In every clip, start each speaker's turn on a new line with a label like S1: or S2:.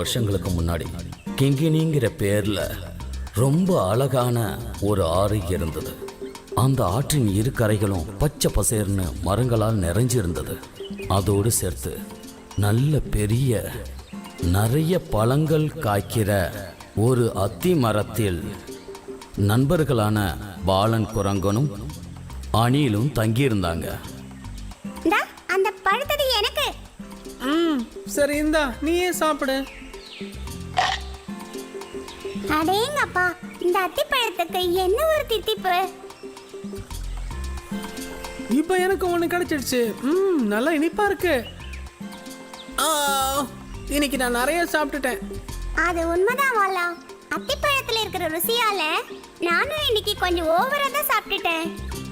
S1: வருஷங்களுக்கு முன்னாடி கிங்கினிங்கிற பேர்ல ரொம்ப அழகான ஒரு ஆறு இருந்தது. அந்த ஆற்றின் இரு கரைகளும் பச்சை பசேர்னு மரங்களால் நிறைஞ்சிருந்தது. அதோடு சேர்த்து நல்ல பெரிய நிறைய பழங்கள் காய்க்கிற ஒரு அத்தி மரத்தில் நண்பர்களான பாலன் குரங்கனும் அணிலும் தங்கியிருந்தாங்க.
S2: அந்த பழத்தது எனக்கு.
S3: சரி இந்தா நீயே சாப்பிடு.
S2: அடேங்கப்பா, இந்த அத்திப்பழத்துக்கு என்ன ஒரு தித்திப்பு.
S3: இப்போ எனக்கு ஒன்று கிடைச்சிடுச்சு. நல்லா இனிப்பா இருக்கு. இன்னைக்கு நான் நிறைய சாப்பிட்டுட்டேன்.
S2: அது உண்மைதான் வாலா. அத்திப்பழத்துல இருக்கிற ருசியால நானும் இன்னைக்கு கொஞ்சம் ஓவரா தான் சாப்பிட்டுட்டேன்.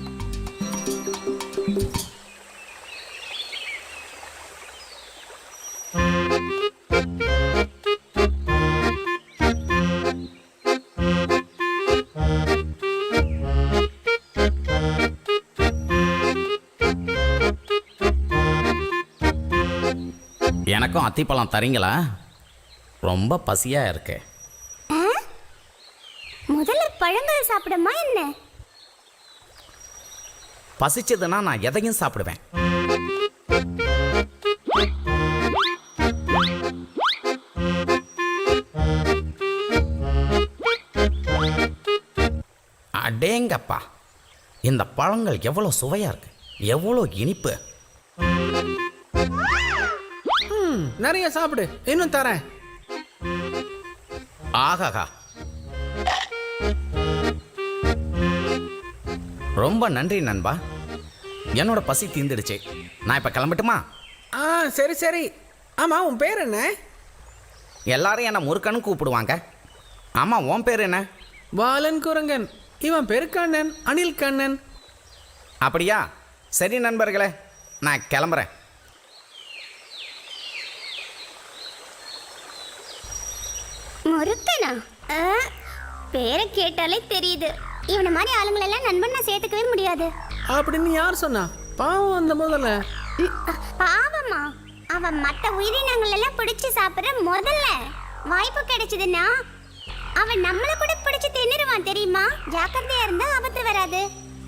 S1: எனக்கும் அத்திப்பழம் தரீங்களா? ரொம்ப பசியா இருக்கு.
S2: முதல்ல பழங்கள் சாப்பிடுமா என்ன?
S1: பசிச்சதுன்னா நான் எதையும் சாப்பிடுவேன். அடேங்கப்பா, இந்த பழங்கள் எவ்வளோ சுவையா இருக்கு, எவ்வளோ இனிப்பு.
S3: நிறைய சாப்பிடு, இன்னும் தரேன்.
S1: ஆகாகா, ரொம்ப நன்றி நண்பா. என்னோட பசி தீந்துடுச்சு. நான் இப்ப கிளம்பட்டுமா?
S3: சரி சரி. ஆமா, உன் பேர் என்ன?
S1: எல்லாரும் என்ன முருக்கன்னு கூப்பிடுவாங்க. ஆமா, உன் பேர் என்ன?
S3: பாலன் குரங்கன். இவன் பேரு கண்ணன், அனில் கண்ணன்.
S1: அப்படியா? சரி நண்பர்களே, நான் கிளம்புறேன்.
S2: முருக்கனா? பேரை கேட்டாலே தெரியுது. இவனை மாதிரி ஆளுங்களெல்லாம் நண்பன் சேர்த்துக்கவே முடியாது.
S3: அப்படின்னு யார் சொன்னா? பாவம் அந்த முதல்ல.
S2: பாவமா? அவன் மற்ற உயிரினங்கள் எல்லாம் பிடிச்சு சாப்பிடுற முதல்ல. வாய்ப்பு கிடைச்சதுன்னா அவன் நம்மள கூட பிடிச்சு தின்னுருவான் தெரியுமா? ஜாக்கிரதையா இருந்தா ஆபத்து வராது.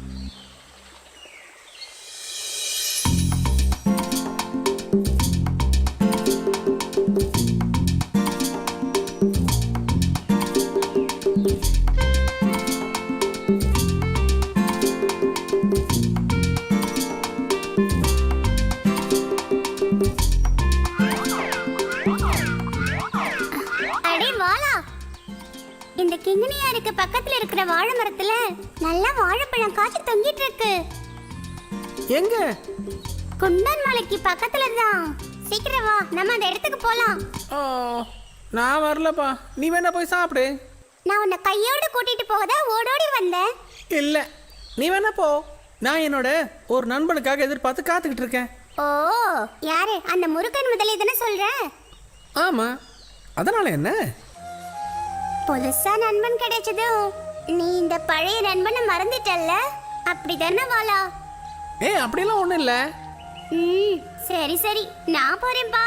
S2: இந்த கிங்கினியாருக்கு பக்கத்துல இருக்கிற வாழை மரத்துல நல்ல வாழைப்பழம் காய்ச்சி தொங்கிட்டு இருக்கு.
S3: எங்க?
S2: குந்தன் மலைக்கு பக்கத்துல தான். சீக்கிரம் வா, நம்ம அந்த இடத்துக்கு போலாம்.
S3: நான் வரலப்பா, நீ வேணா போய் சாப்பிடு.
S2: நான் உன்னை கையோட கூட்டிட்டு போகதா ஓடோடி வந்தேன்.
S3: இல்ல, நீ வேணா போ. நான் என்னோட ஒரு நண்பனுக்காக எதிர்பார்த்து காத்துக்கிட்டு இருக்கேன்.
S2: ஓ, யாரு? அந்த முருகன் முதலே தானே சொல்ற?
S3: ஆமா, அதனால என்ன?
S2: புதுசா நண்பன் கிடைச்சதும் நீ இந்த பழைய நண்பனை மறந்துட்டல்ல? அப்படிதானே வாலா?
S3: அப்படிலாம் ஒண்ணும் இல்ல.
S2: சரி சரி, நான் போறேன்பா.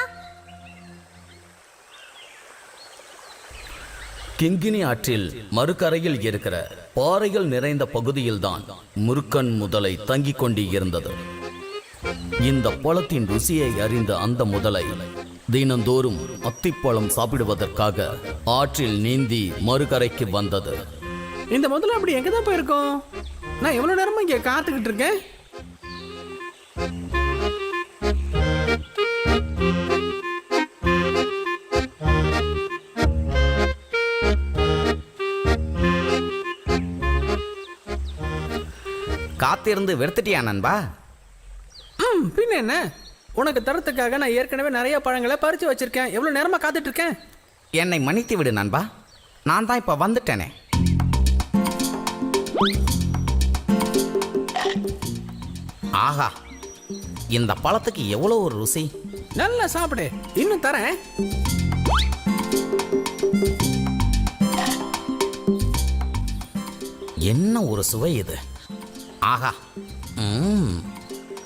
S1: கிங்கினி ஆற்றில் மறுகரையில் இருக்கிற பாறைகள் நிறைந்த பகுதியில்தான் முருக்கன் முதலை தங்கிக் கொண்டு இருந்தது. இந்த பழத்தின் ருசியை அறிந்த அந்த முதலை தினந்தோறும் அத்திப்பழம் சாப்பிடுவதற்காக ஆற்றில் நீந்தி மறுகரைக்கு வந்தது.
S3: இந்த முதல்ல அப்படி எங்கதான் போயிருக்கோம்? நான் எவ்வளவு நேரமா இங்க காத்துக்கிட்டு இருக்கேன்.
S1: காத்திருந்து வெறுத்துட்டியா நண்பா?
S3: பின்ன என்ன, உனக்கு தரத்துக்காக நான் ஏற்கனவே நிறைய பழங்களை பறிச்சு வச்சிருக்கேன். எவ்வளவு நேரமா காத்துட்டு இருக்கேன்.
S1: என்னை மன்னித்து விடு நண்பா, நான் தான் இப்ப வந்துட்டேனே. ஆஹா, இந்த பழத்துக்கு எவ்வளோ ஒரு ருசி.
S3: நல்லா சாப்பிடு, இன்னும் தரேன்.
S1: என்ன ஒரு சுவை இது. ஆஹா,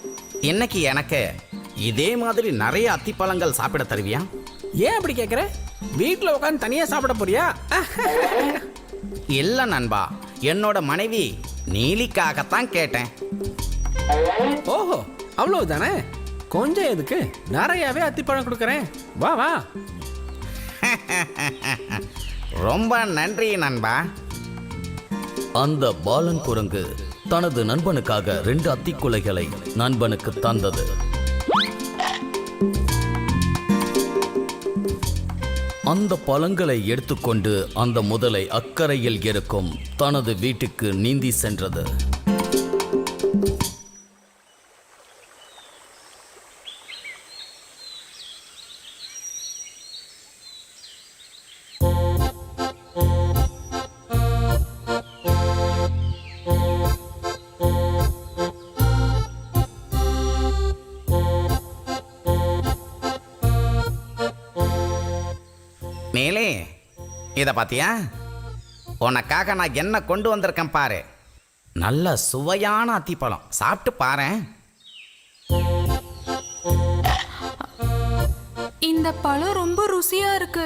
S1: இன்னைக்கு எனக்கு இதே மாதிரி நிறைய அத்திப்பழங்கள் சாப்பிட தருவியா?
S3: ஏன் அப்படி கேட்குற? வீட்டில் உட்காந்து தனியா சாப்பிட போறியா?
S1: இல்லை நண்பா, என்னோட மனைவி நீலிக்காகத்தான் கேட்டேன்.
S3: ஓஹோ, அவ்வளவுதானே? கொஞ்சம் எதுக்கு, நிறையாவே அத்திப்பழம் கொடுக்குறேன். வா வா.
S1: ரொம்ப நன்றி நண்பா.
S4: அந்த பாலன் குரங்கு தனது நண்பனுக்காக 2 அத்திக்குலைகளை நண்பனுக்கு தந்தது. அந்த பழங்களை எடுத்துக்கொண்டு அந்த முதலை அக்கறையில் இருக்கும் தனது வீட்டுக்கு நீந்தி சென்றது.
S1: நீலி, இதை பார்த்தியா? உனக்காக நான் என்ன கொண்டு வந்திருக்கேன் பாரு. நல்ல சுவையான அத்திப்பழம், சாப்பிட்டு பாரேன்.
S5: இந்த பழம் ரொம்ப ருசியா இருக்கு.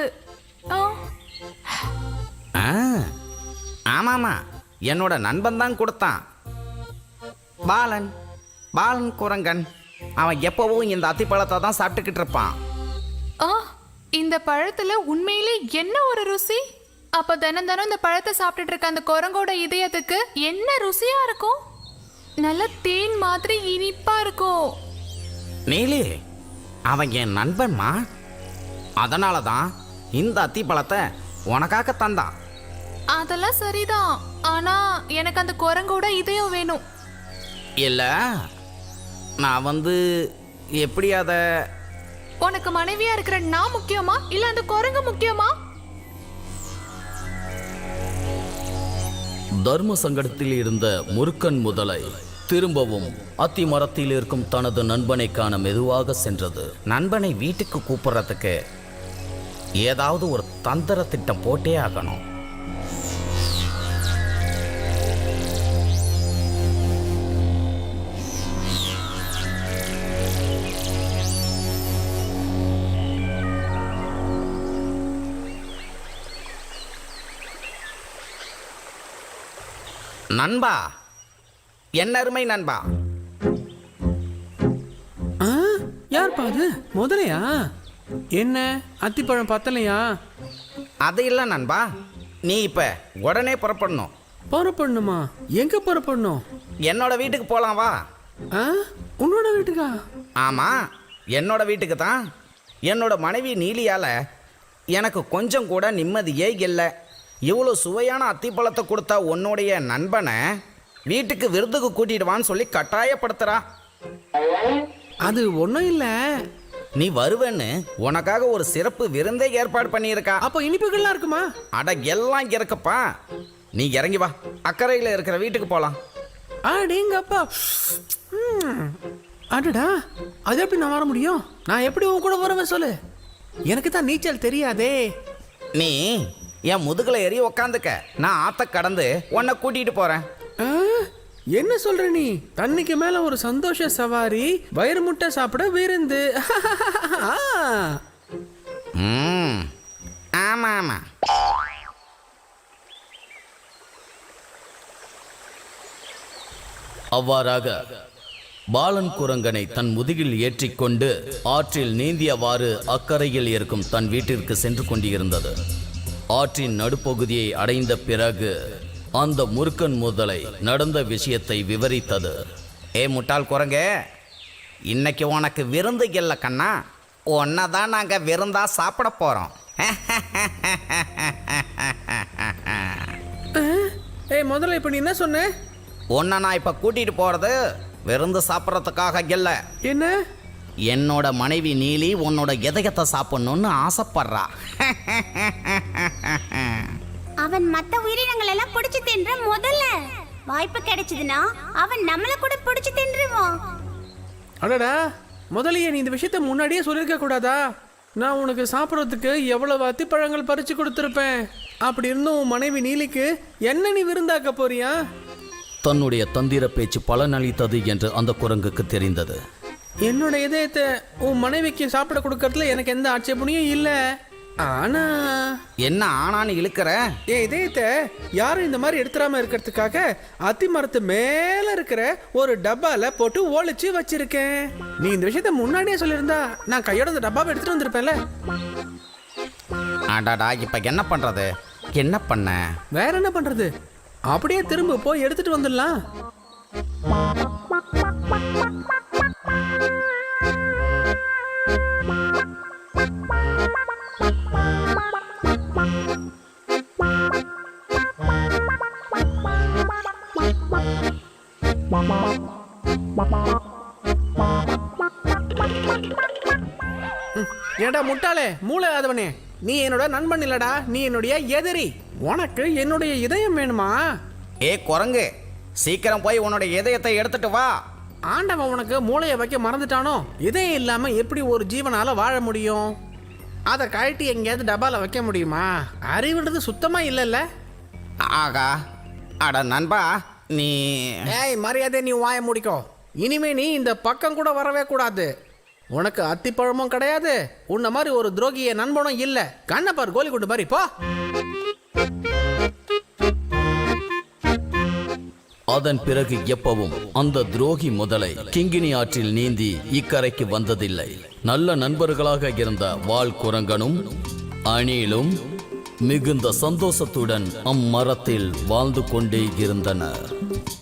S1: ஆமாமா, என்னோட நண்பன் தான் கொடுத்தான். பாலன் பாலன் குரங்கன். அவன் எப்பவும் இந்த அத்திப்பழத்தை தான் சாப்பிட்டுக்கிட்டு இருப்பான்.
S5: இந்த பழத்துல உண்மையிலே என்ன ஒரு ருசி! அப்ப தினம் தினம் இந்த பழத்தை சாப்பிட்டுட்டு இருக்க அந்த குரங்கோட இதயத்துக்கு என்ன ருசியா இருக்கும்! நல்ல தேன் மாதிரி இனிப்பா இருக்கும்.
S1: நீலி, அவன் என் நண்பன்மா. அதனால தான் இந்த அத்திப்பழத்தை உனக்காக தந்தான்.
S5: அதெல்லாம் சரிதான், ஆனா எனக்கு அந்த குரங்கோட இதயம் வேணும்.
S1: இல்லை, நான் எப்படி அதை...
S5: உனக்கு மனைவியா இருக்கிற நான் முக்கியமா இல்ல அந்த குரங்கு முக்கியமா?
S4: தர்ம சங்கடத்தில் இருந்த முருக்கன் முதலை திரும்பவும் அத்தி மரத்தில் இருக்கும் தனது நண்பனை காண மெதுவாக சென்றது.
S1: நண்பனை வீட்டுக்கு கூப்பிடுறதுக்கு ஏதாவது ஒரு தந்திர திட்டம் போட்டே ஆகணும். நண்பா, என்ன அருமை நண்பா.
S3: யார்ப்பா அது? முதலையா? என்ன அத்திப்பழம் பத்தலையா?
S1: அது இல்லை நண்பா, நீ இப்ப உடனே புறப்படணும்.
S3: புறப்படணுமா? எங்க புறப்படணும்?
S1: என்னோட வீட்டுக்கு போலாம், வா.
S3: உன்னோட வீட்டுக்கா?
S1: ஆமா, என்னோட வீட்டுக்கு தான். என்னோட மனைவி நீலியால எனக்கு கொஞ்சம் கூட நிம்மதியே இல்லை. இவ்வளோ சுவையான அத்திப்பழத்தை கொடுத்தா உன்னுடைய நண்பனை வீட்டுக்கு விருந்துக்கு கூட்டிடுவான்னு சொல்லி கட்டாயப்படுத்துறா.
S3: அது ஒன்றும் இல்லை.
S1: நீ வருவேன்னு உனக்காக ஒரு சிறப்பு விருந்தே ஏற்பாடு பண்ணியிருக்கா.
S3: அப்போ இனிப்புகள்லாம் இருக்குமா?
S1: அட, எல்லாம் இருக்குப்பா. நீ இறங்கி வா, அக்கறையில் இருக்கிற வீட்டுக்கு போகலாம்.
S3: அடேங்கப்பா. அடடா, அது எப்படி நான் வர முடியும்? நான் எப்படி உன் கூட வருவேன் சொல்லு? எனக்கு தான் நீச்சல் தெரியாதே.
S1: நீ என் முதுகுல ஏறி உக்காந்துக்க, நான் ஆத்த கடந்து உன்னை கூட்டிட்டு போறேன்.
S3: என்ன சொல்ற நீ? தண்ணிக்கு மேல ஒரு சந்தோஷ சவாரி, வயிறு முட்டை சாப்பிட விருந்து.
S1: ஆமா ஆமா.
S4: அவ்வாறாக பாலன் குரங்கனை தன் முதுகில் ஏற்றிக்கொண்டு ஆற்றில் நீந்தியவாறு அக்கறையில் இருக்கும் தன் வீட்டிற்கு சென்று கொண்டிருந்தது. ஆற்றின் நடுப்பகுதியை அடைந்த பிறகு அந்த முருக்கன் முதலை நடந்த விஷயத்தை விவரித்தது.
S1: ஏ முட்டாள் குரங்கே, இன்னைக்கு உனக்கு விருந்து இல்லை கண்ணா, உன்னை தான் நாங்கள் விருந்தா சாப்பிட போகிறோம்.
S3: ஏய் முதல்ல இப்போ நீ என்ன சொன்ன?
S1: உன்னை நான் இப்போ கூட்டிகிட்டு போகிறது விருந்து சாப்பிட்றதுக்காக இல்லை.
S3: என்ன?
S1: என்னோட மனைவி நீலி உன்னோட இதயத்தை சாப்பிடணும்னு ஆசைப்படுறா.
S2: அவன் மத்த உயிரினங்கள் எல்லாம் பிடிச்சு தின்ற முதல்ல வாய்ப்பு கிடைச்சதுன்னா அவன் நம்மள கூட பிடிச்சு தின்றுவான்.
S3: அடடா, முதலையே நீ இந்த விஷயத்த முன்னாடியே சொல்லியிருக்க கூடாதா? நான் உனக்கு சாப்பிட்றதுக்கு எவ்வளவு அத்திப்பழங்கள் பறிச்சு கொடுத்துருப்பேன். அப்படி இருந்தும் உன் மனைவி நீலிக்கு என்ன நீ விருந்தாக்க போறியா?
S4: தன்னுடைய தந்திர பேச்சு பலனளித்தது என்று அந்த குரங்குக்கு தெரிந்தது.
S3: என்னோட இதயத்தை உன் மனைவிக்கு சாப்பிட கொடுக்கறதுல எனக்கு எந்த ஆட்சேபனையும் இல்லை. ஆனா
S1: என்ன ஆனான்னு இழுக்கிற?
S3: என் இதயத்தை யாரும் இந்த மாதிரி எடுத்துடாம இருக்கிறதுக்காக அத்தி மரத்து மேல இருக்கிற ஒரு டப்பால போட்டு ஒளிச்சு வச்சிருக்கேன். நீ இந்த விஷயத்த முன்னாடியே சொல்லியிருந்தா நான் கையோட இந்த டப்பாவை எடுத்துட்டு வந்திருப்பேன்ல.
S1: அடாடா, இப்ப என்ன பண்றது? என்ன பண்ண?
S3: வேற என்ன பண்றது? அப்படியே திரும்ப போய் எடுத்துட்டு வந்துடலாம். ஏடா முட்டாளே, மூளை ஆதவனே, நீ என்னோட நண்பன் இல்லடா, நீ என்னுடைய எதிரி. உனக்கு என்னுடைய இதயம் வேணுமா?
S1: ஏ குரங்கு, சீக்கிரம் போய் உன்னோட இதயத்தை எடுத்துட்டு வா.
S3: ஆண்டவன் உனக்கு மூளையை வைக்க மறந்துட்டானோ? இதயம் இல்லாம எப்படி ஒரு ஜீவனால வாழ முடியும்? அதை கழட்டி எங்கேயாவது டப்பால வைக்க முடியுமா? அறிவுன்றது சுத்தமா இல்லைல்ல.
S1: ஆகா, அட நண்பா, நீ
S3: ஏய் மரியாதை, நீ வாய முடிக்கோ. இனிமே நீ இந்த பக்கம் கூட வரவே கூடாது. உனக்கு அத்திப்பழமும் கிடையாது, உன்ன மாதிரி ஒரு துரோகிய நண்பனும் இல்ல. கண்ணப்பார் கோலி குண்டு மாதிரி போ.
S4: அதன் பிறகு எப்பவும் அந்த துரோகி முதலை கிங்கினி ஆற்றில் நீந்தி இக்கரைக்கு வந்ததில்லை. நல்ல நண்பர்களாக இருந்த வால் குரங்கனும் அணிலும் மிகுந்த சந்தோஷத்துடன் அம்மரத்தில் வாழ்ந்து கொண்டே இருந்தனர்.